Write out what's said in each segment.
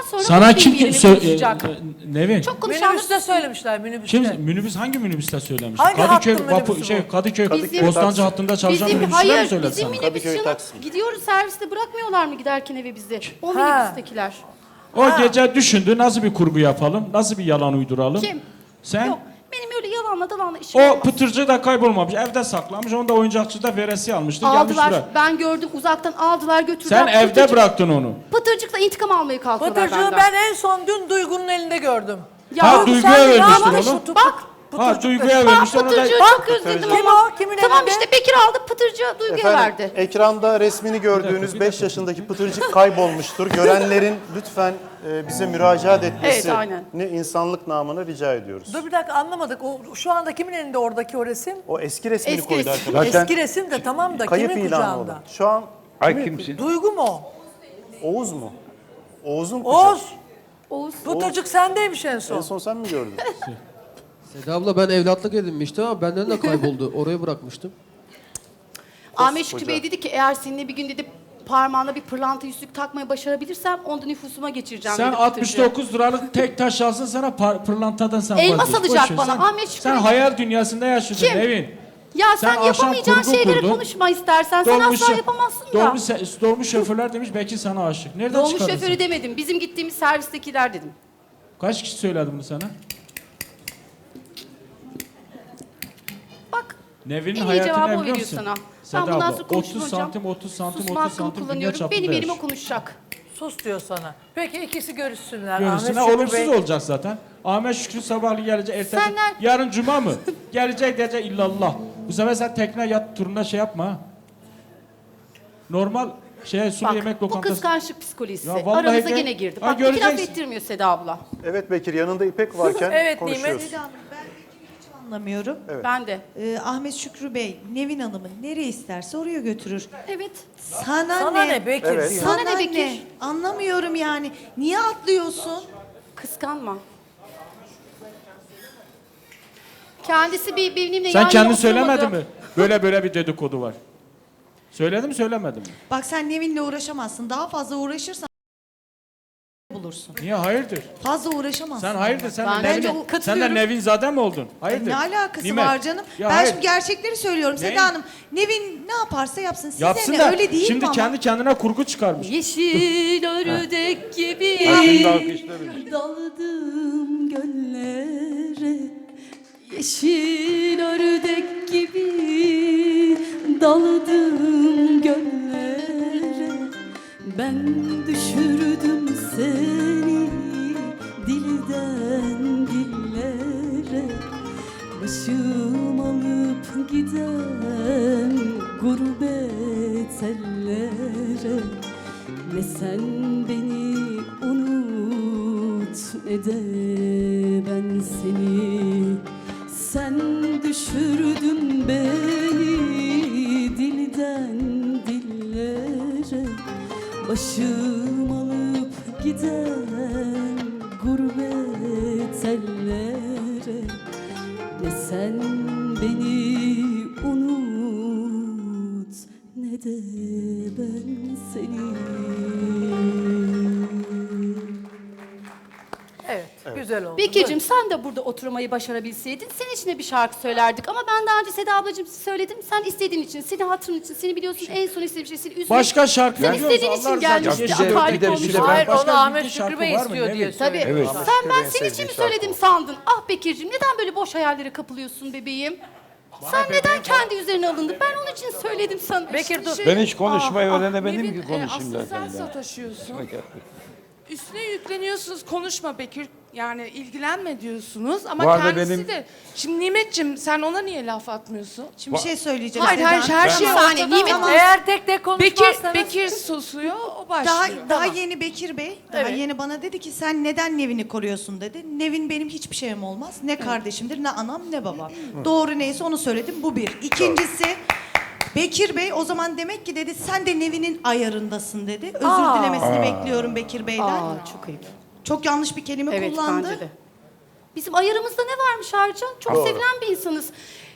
sonra Sana kim yerini konuşacak. Nevin? Çok konuşanlar Minibüste söylemişler, minibüste. Kim minibüs hangi minibüste söylemiş? Hangi Kadıköy hattın minibüsü bu? Kadıköy Bizim- Bostancı hattında çalışan minibüsçüler mi hayır, söyledi bizim sana? minibüs Kadıköy canım. Taksim. Gidiyoruz serviste bırakmıyorlar mı giderken eve bizi? O Ha. minibüstekiler. O gece düşündü nasıl bir kurgu yapalım, nasıl bir yalan uyduralım. Kim? Sen? Yok, benim öyle yalanla dalanla işim O olmaz. pıtırcı da kaybolmamış, evde saklamış, onu da oyuncakçıda veresi almıştı, gelmiş Aldılar, buraya. ben gördüm uzaktan aldılar götürdüler. Sen evde bıraktın onu. Pıtırcıkla intikam almaya kalkıyorlar Pıtırcığı benden. ben en son dün Duygu'nun elinde gördüm. Ya, Ha, Duygu'ya sen vermiştin yanlış onu. tutup- Bak. Ha, Duygu'ya Bak vermişti, onu da... Pıtırcığı çok özledim Kim ama. o? Kimin Tamam elinde? işte Bekir aldı Pıtırcığı Duygu'ya Efendim, verdi. ekranda resmini gördüğünüz 5 yaşındaki pıtırcık kaybolmuştur. Görenlerin lütfen bize müracaat etmesini aynen. insanlık namına rica ediyoruz. Dur bir dakika, anlamadık. O, şu anda kimin elinde oradaki o resim? O eski resmini Eski koydu resim. arkadaşlar. Eski resim de tamam da Kayıp kimin ilanı kucağında? olan. Şu an Ay kimsin? Duygu mu o? Oğuz mu? Oğuz'un kucağı. Oğuz. Oğuz. Pıtırcık sendeymiş en son. En son sen mi gördün? Seda abla ben evlatlık edinmiştim ama benden de kayboldu. Oraya bırakmıştım. Ahmet Şükrü Bey dedi ki eğer seninle bir gün dedi parmağına bir pırlanta yüzük takmayı başarabilirsem onu da nüfusuma geçireceğim Sen dedi Pıtırcığı. 69 liralık tek taş alsın sana pırlantadan sen Elmas vazgeç. alacak Boş ver. bana, Sen- Ahmet Şükrü Sen Bey. hayal dünyasında yaşıyorsun Kim? Nevin. Ya sen, Sen akşam yapamayacağın kurgu şeyleri kurdun. konuşma istersen. Sen asla yapamazsın ya. Dolmuş şoförler demiş belki sana aşık. Nereden Dolmuş çıkardın şoförü sen? demedim. Bizim gittiğimiz servistekiler dedim. Kaç kişi söyledi bunu sana? Bak Nevin'in en iyi hayatını cevabı ne o biliyor veriyor musun? sana. Seda Ben bundan abla, sonra 30 konuşmayacağım. santim, 30 santim, Susma 30 hakkımı santim dünya kullanıyorum. çapında Benim elime yaşıyor. konuşacak. Sus diyor sana. Peki ikisi görüşsünler. Görürsün. Ahmet Şükrü Olumsuz Bey. olacak zaten. Ahmet Şükrü sabahlı gelecek, ertesi Senden- yarın cuma mı? Gelecek diyecek illallah. Bu sefer sen tekne yat turuna şey yapma ha. Normal sulu Bak yemek bu lokantası. kıskançlık psikolojisi. Ya vallahi Aramıza de- gene girdi. Ha, Bak iki laf göreceksin. ettirmiyor Seda abla. Evet Bekir, yanında İpek varken Evet, konuşuyoruz. Nimet. Hanım, ben Bekir'i hiç anlamıyorum. Ben de. Ahmet Şükrü Bey, Nevin Hanım'ı nereye isterse oraya götürür. Evet. Sana ne Bekir Evet. diyor. Sana Sana ne Bekir? Anlamıyorum yani. Niye atlıyorsun? Kıskanma. Kendisi benimle Sen yan kendin yana söylemedin oturmadı. mi? Böyle bir dedikodu var. Söyledim mi söylemedim mi? Bak sen Nevin'le uğraşamazsın. Daha fazla uğraşırsan bulursun. Niye hayırdır? Fazla uğraşamazsın. Sen hayırdır sen Ben de bence Nevin, o- sen de katılıyorum. Nevin zade mi oldun? Hayırdır? Ne alakası Nimet. var canım? Ya Ben hayır. şimdi gerçekleri söylüyorum. Ne? Seda Hanım, Nevin ne yaparsa yapsın. Size Yapsın ne? da Öyle değil şimdi mi ama? kendi kendine kurgu çıkarmış. Yeşil ördek gibi Ha, şimdi alkışlamış. daldım göllere. Yeşil ördek gibi daldım göllere. Ben düşürdüm seni dilden dillere. Başım alıp giden gurbet ellere. Ne sen beni unut ne de ben seni. Sen düşürdün beni dilden dillere. Başım alıp giden gurbet ellere. Ne sen beni unut ne de ben seni. Evet, güzel oldu. Bekir'cim sen de burada oturmayı başarabilseydin senin için de bir şarkı söylerdik. Ama ben daha önce Seda ablacığım söyledim. Sen istediğin için, senin hatırın için, seni biliyorsun en son istediğim şey seni üzmek. Başka şarkı Sen biliyoruz, istediğin Allah için rızası gelmişti. için. Ya bir de- Akarip bir de- olmuş. bir de ben- Hayır, Başka onu bir Ahmet bildiğin Şükrü şarkı Bey var mı? istiyor Ne diye bileyim. Tabii. söylüyor. Evet. Sen ben Şükrü Bey'in senin için sevdiği mi şarkı söyledim o. sandın? Ah Bekir'cim neden böyle boş hayallere kapılıyorsun bebeğim? Sen neden kendi üzerine alındın? Ben onun için söyledim sana. Bekir dur. Ben hiç konuşmayı öğrenemedim Nevin, ki konuşayım aslında zaten. sen sataşıyorsun. Üstüne yükleniyorsunuz, konuşma Bekir. Yani ilgilenme diyorsunuz ama Bu arada kendisi benim- de... Şimdi Nimet'ciğim sen ona niye laf atmıyorsun? Şimdi bir şey söyleyeceğim. Hayır Seda hayır Hanım. her şey Bir saniye, ortada. Nimet ama Eğer tek tek Bekir, konuşmazsanız... Bekir susuyor, o başlıyor. Daha yeni Bekir Bey, daha Evet. yeni bana dedi ki sen neden Nevin'i koruyorsun dedi. Nevin benim hiçbir şeyim olmaz. Ne kardeşimdir, ne anam, ne babam. Doğru neyse onu söyledim. Bu bir. İkincisi Bekir Bey o zaman demek ki dedi sen de Nevin'in ayarındasın dedi. Özür dilemesini bekliyorum Bekir Bey'den. Aa çok ayıp. Çok yanlış bir kelime Evet kullandı. bence de. Bizim ayarımızda ne varmış ayrıca? Çok sevilen bir insanız.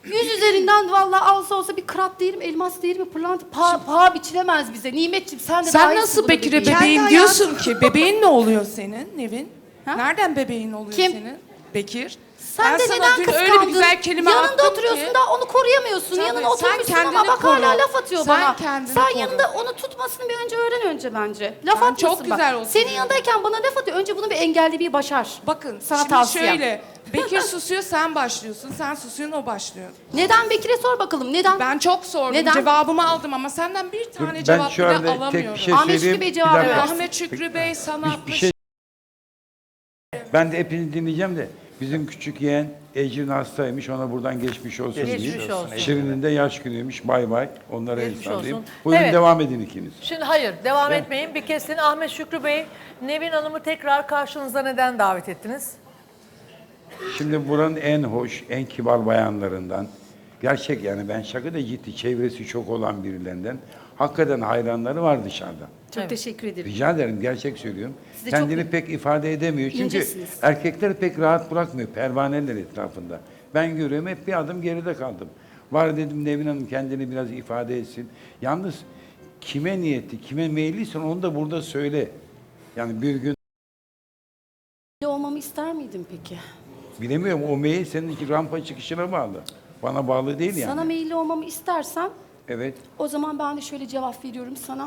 Yüz üzerinden vallahi alsa olsa bir krat değil mi, elmas değil mi, pırlanta, paha biçilemez bize. Nimetciğim sen de Sen dahilsin nasıl buna Bekir'e bebeğim. bebeğim Kendi diyorsun ki? Bebeğin ne oluyor senin Nevin? Ha? Nereden bebeğin oluyor Kim? senin? Bekir. Sen Ben de sana neden dün kıskandın? öyle bir güzel kelime Yanında attım oturuyorsun ki. da onu koruyamıyorsun. Tabii, Yanına sen oturmuşsun kendini ama bak hala koru. laf atıyor Sen bana. kendini Sen koru. yanında onu tutmasını bir önce bence. Laf Ben atmasın çok bak. güzel oturuyorum. Senin yanındayken bana laf atıyor. Önce bunu bir engellemeyi başar. Bakın Sana şimdi tavsiyem. şöyle. Bekir susuyor sen başlıyorsun. Sen susuyorsun o başlıyor. Neden Bekir'e sor bakalım. Neden? Ben çok sordum. Neden? Cevabımı aldım ama senden bir tane Ben cevap şu bile anda alamıyorum. tek bir şey Ahmet Şükrü söyleyeyim. Bey Bir cevap dakika. versin. Ahmet Şükrü Bey sana Bir şey. Ben de hepinizi dinleyeceğim de bizim küçük yeğen Ecrin hastaymış. Ona buradan geçmiş olsun Geçmiş diyeyim. olsun. Şirin'in de yaş günüymüş. Bay bay. Onlara el Geçmiş sallayayım. olsun. Buyurun Evet. devam edin ikiniz. Şimdi hayır devam etmeyin. Bir kesin Ahmet Şükrü Bey, Nevin Hanım'ı tekrar karşınıza neden davet ettiniz? Şimdi buranın en hoş, en kibar bayanlarından, gerçek yani ben şaka da ciddi, çevresi çok olan birilerinden, hakikaten hayranları var dışarıda. Çok teşekkür ederim. Rica ederim, gerçek söylüyorum. Siz de Kendini çok pek ifade edemiyor. Çünkü incesiniz. erkekler pek rahat bırakmıyor, pervaneler etrafında. Ben görüyorum, hep bir adım geride kaldım. Var dedim Nevin Hanım kendini biraz ifade etsin. Yalnız kime niyetli, kime meyilliysen onu da burada söyle. Yani bir gün olmamı ister miydin peki? bilemiyorum, o meyil senin rampa çıkışına bağlı. Bana bağlı değil yani. Sana meyilli olmamı istersen Evet. o zaman ben de şöyle cevap veriyorum sana.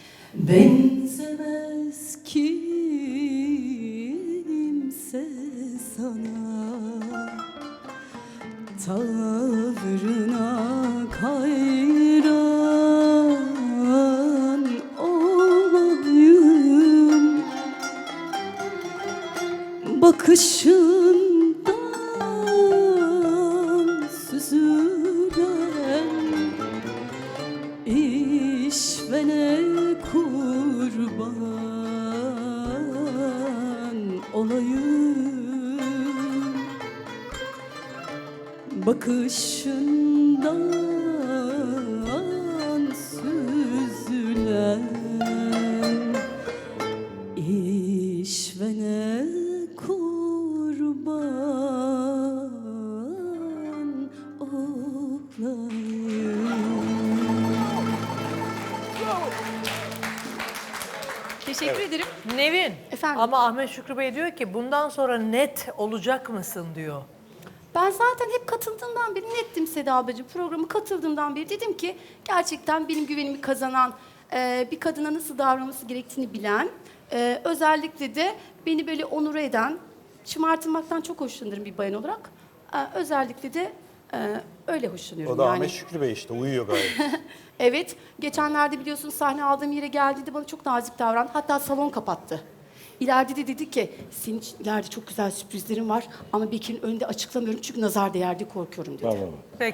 Benzemez kimse sana, tavrına hayran olayım, bakışından süzülen işvene kurban olayım, bakışından süzülen işvene kurban olayım. Teşekkür ederim. Nevin. Efendim? Ama Ahmet Şükrü Bey diyor ki bundan sonra net olacak mısın diyor. Ben zaten hep katıldığımdan beri nettim Seda ablacığım. Programı katıldığımdan beri dedim ki gerçekten benim güvenimi kazanan, bir kadına nasıl davranması gerektiğini bilen, özellikle de beni böyle onur eden, şımartılmaktan çok hoşlanırım bir bayan olarak. Özellikle de öyle hoşlanıyorum O da yani. Ahmet Şükrü Bey işte uyuyor gayet. Evet, geçenlerde biliyorsun sahne aldığım yere geldiğinde bana çok nazik davrandı. Hatta salon kapattı. İleride de dedi ki, senin için ileride çok güzel sürprizlerim var ama Bekir'in önünde açıklamıyorum çünkü nazar değer diye korkuyorum dedi. Bravo. Peki.